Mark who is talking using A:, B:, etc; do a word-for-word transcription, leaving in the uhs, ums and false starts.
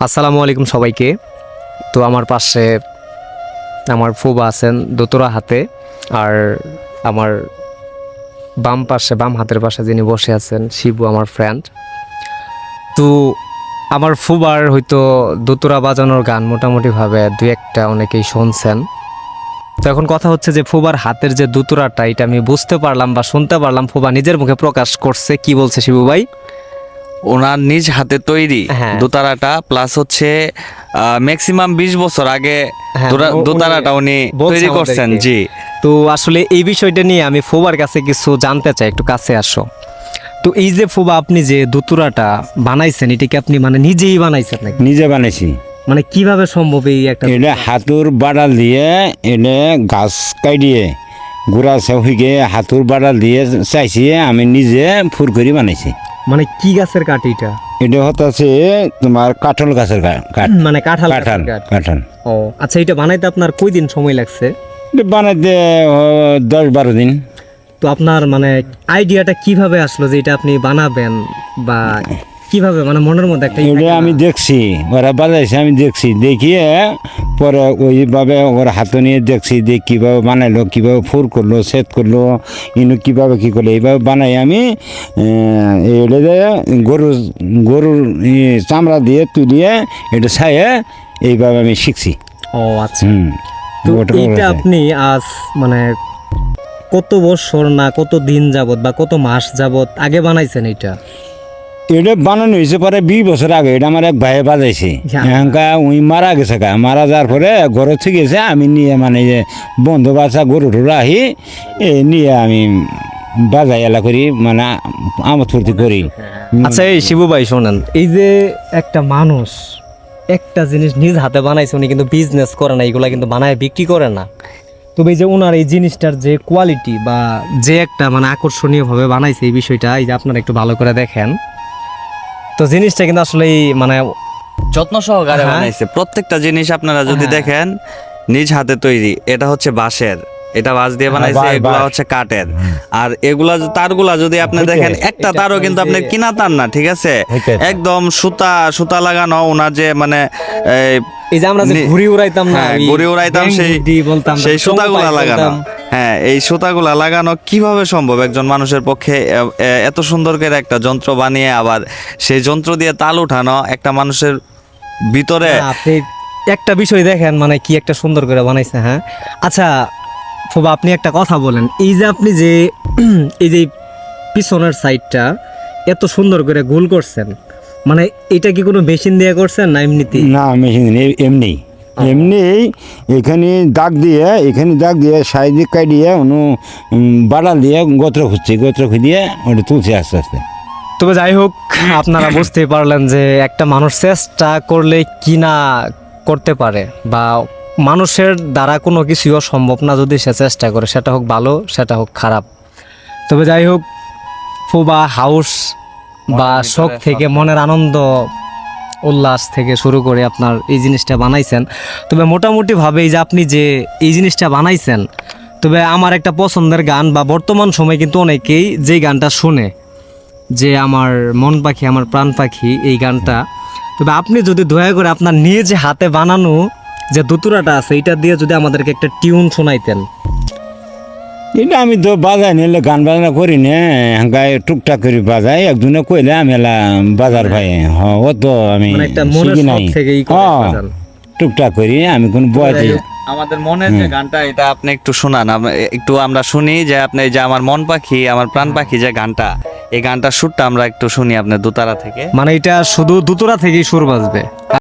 A: আসসালামু আলাইকুম সবাইকে। তো আমার পাশে আমার ফুবা আছেন দোতরা হাতে, আর আমার বাম পাশে বাম হাতের পাশে যিনি বসে আছেন শিবু আমার ফ্রেন্ড। তো আমার ফুবার হয়তো দোতরা বাজানোর গান মোটামুটিভাবে দুই একটা অনেকেই শুনছেন। তো এখন কথা হচ্ছে যে ফুবার হাতের যে দোতরাটা এটা আমি বুঝতে পারলাম বা শুনতে পারলাম, ফুবা নিজের মুখে প্রকাশ করছে। কি বলছে শিবু ভাই?
B: ওনার নিজ হাতে তৈরি
A: হ্যাঁ।
B: দোতারাটা, প্লাস হচ্ছে ম্যাক্সিমাম বিশ বছর আগে
A: হ্যাঁ,
B: দোরা-
A: উনি
B: দোতারাটা উনি
A: বলছে
B: তৈরি করছেন।
A: আমাদেরকে।
B: জি,
A: তো আসলে এই বিষয়টা নিয়ে আমি ফুবার কাছে কিছু জানতে চাই, একটু কাছে আসো। তো এই যে ফুবা আপনি যে দুতুরাটা বানাইছেন, এটা কি আপনি মানে নিজেই বানাইছেন নাকি?
C: নিজে বানাইছি।
A: মানে কিভাবে সম্ভব এই একটা?
C: এটা হাতুর বাড়াল দিয়ে এনে গাছ কাটিয়ে গুড়া হইকে হাতুর বাড়াল দিয়ে চাইছি আমি নিজে ফুর করে বানাইছি।
A: মানে কি গাছের কাঠ এটা?
C: এটা হচ্ছে তোমার কাঁঠাল গাছের কা- কাঠ।
A: মানে কাঁঠাল
C: কাঁঠাল
A: গাছের কাঠ।
C: কাঁঠাল
A: ও আচ্ছা, এটা বানাইতে আপনার কই দিন সময় লাগছে?
C: এটা বানাইতে ও, দশ বারো দিন।
A: তো আপনার মানে আইডিয়াটা কিভাবে আসলো যে এটা আপনি বানাবেন, বা কিভাবে মানে মনের মধ্যে একটা ই
C: এটা
A: থাকে না?
C: আমি দেখছি ওরা বাজাইছে, আমি দেখছি দেখিয়ে পরে ওইভাবে ওরা হাতে নিয়ে দেখছি যে কীভাবে বানাইলো, কীভাবে ফুর করলো, সেট করলো, ইনু কীভাবে কী করলো, এইভাবে বানাই আমি আহ, এটা দিয়ে গরু গরুর ই চামড়া দিয়ে তুলিয়ে এটা ছায়ে এইভাবে আমি শিখছি।
A: ও আচ্ছা।
C: হুম
A: তো
C: ওটা
A: এইটা
C: বলেছে।
A: আপনি আজ মানে কত বছর না কত দিন যাবত বা কত মাস যাবত আগে বানাইছেন এটা?
C: এটা বানানো হয়েছে পরে বিশ বছর আগে। এটা আমার এক ভাইয়ে বাজাইছে,
A: হ্যাঁ।
C: এখানকা উই মারা গেছে গা, মারা যাওয়ার পরে ঘরে থেকে গেছে, আমি নিয়ে মানে যে বন্ধু বাচ্চা গরু টরু আহি এ নিয়ে আমি বাজাই এলা করি, মানে আমোদ ফুর্তি করি।
A: আচ্ছা এই শিবু ভাই শোনেন, এই যে একটা মানুষ একটা জিনিস নিজ হাতে বানাইছে, উনি কিন্তু বিজনেস করে না, এগুলা কিন্তু বানায় বিক্রি করে না। তবে এই যে ওনার এই জিনিসটার যে কোয়ালিটি বা যে একটা মানে আকর্ষণীয় ভাবে বানাইছে এই বিষয়টা, এই যে আপনারা একটু ভালো করে দেখেন, তো জিনিসটা কিন্তু আসলে মানে
B: যত্ন সহকারে
A: হ্যাঁ।
B: বানাইছে প্রত্যেকটা জিনিস। আপনারা যদি
A: হ্যাঁ।
B: দেখেন নিজ হাতে তৈরি। এটা হচ্ছে বাঁশের, এটা বাঁশ দিয়ে বানাইছে,
C: বাঁশ,
B: এগুলা
C: বাঁশ।
B: হচ্ছে কাঠের। আর এগুলা যে তারগুলা যদি আপনি
C: হইতে।
B: দেখেন, একটা
A: এটা
B: তারও কিন্তু
A: ওই
B: আপনি
A: যে-
B: কিনা তার না, ঠিক আছে,
C: হইতে।
B: একদম সুতা সুতা লাগানো। ওনার যে মানে এই
A: এই যে আমরা যে
B: নি-
A: ঘুড়ি উড়াইতাম না,
B: হ্যাঁ,
A: ওই
B: ঘুড়ি উড়াইতাম,
A: ব্যাঙ
B: সেই
A: বুদ্ধি বলতাম,
B: সেই
A: চোঙ
B: সুতাগুলা
A: পাইপ
B: লাগানো।
A: বলতাম।
B: হ্যাঁ, এই সুতাগুলা লাগানো কিভাবে সম্ভব একজন মানুষের পক্ষে? এ- এ- এত সুন্দর করে একটা যন্ত্র বানিয়ে আবার সেই যন্ত্র দিয়ে তাল উঠানো একটা মানুষের ভিতরে।
A: না, আপনি একটা বিষয় দেখেন মানে কি একটা সুন্দর করে বানাইছে। হ্যাঁ আচ্ছা ফুবা, আপনি একটা কথা বলেন, এই যে আপনি যে এই যে পিছনের সাইডটা এত সুন্দর করে গোল করছেন, মানে এটা কি কোনো মেশিন দিয়ে করছেন না এমনিতে?
C: না মেশিন এমনি এমনি এখানে দাগ দিয়ে এখানে দাগ দিয়ে সাইডে কাটিয়ে অনু বাড়াল দিয়ে গোত্র খুঁজছি, গোত্র খুঁজিয়ে ওটা তুলছি আস্তে আস্তে।
A: তবে যাই হোক, আপনারা বুঝতেই পারলেন যে একটা মানুষ চেষ্টা করলে কি না করতে পারে, বা মানুষের দ্বারা কোনো কিছুই সম্ভব না যদি সে চেষ্টা করে, সেটা হোক ভালো সেটা হোক খারাপ। তবে যাই হোক, ফুবা হাউস বা
B: মনের
A: শখ
B: ভিতরে
A: থেকে
B: শ্রদ্ধা।
A: মনের আনন্দ উল্লাস থেকে শুরু করে আপনার এই জিনিসটা বানাইছেন। তবে মোটামুটিভাবে এই যে আপনি যে এই জিনিসটা বানাইছেন, তবে আমার একটা পছন্দের গান বা বর্তমান সময় কিন্তু অনেকেই যেই গানটা শুনে যে আমার মন পাখি আমার প্রাণ পাখি, এই গানটা, তবে আপনি যদি দয়া করে আপনার নিজ হাতে বানানো যে দুতুরাটা আছে এটা দিয়ে যদি আমাদেরকে একটা টিউন শোনাইতেন।
C: এটা আমি তো বাজাই নিলে গান বাজনা করি না, গায়ে টুকটাক করে বাজাই, একজনে কইলে আমি এলা বাজার ভাই হ ও তো আমি
A: মানে একটা মনের
C: শিখি
A: শখ
C: নাই।
A: থেকে ই করে
C: হ্যাঁ,
A: বাজান।
C: টুকটাক করি আমি কোন বয়সে।
B: আমাদের মনের যে গানটা, এটা আপনি একটু শোনান, আম- একটু আমরা শুনি যে আপনি এই যে আমার মন পাখি আমার প্রাণ পাখি যে গানটা, এই গানটার সুরটা আমরা একটু শুনি আপনার দোতারা থেকে।
A: মানে এটা শুধু দুতুরা থেকেই সুর বাজবে।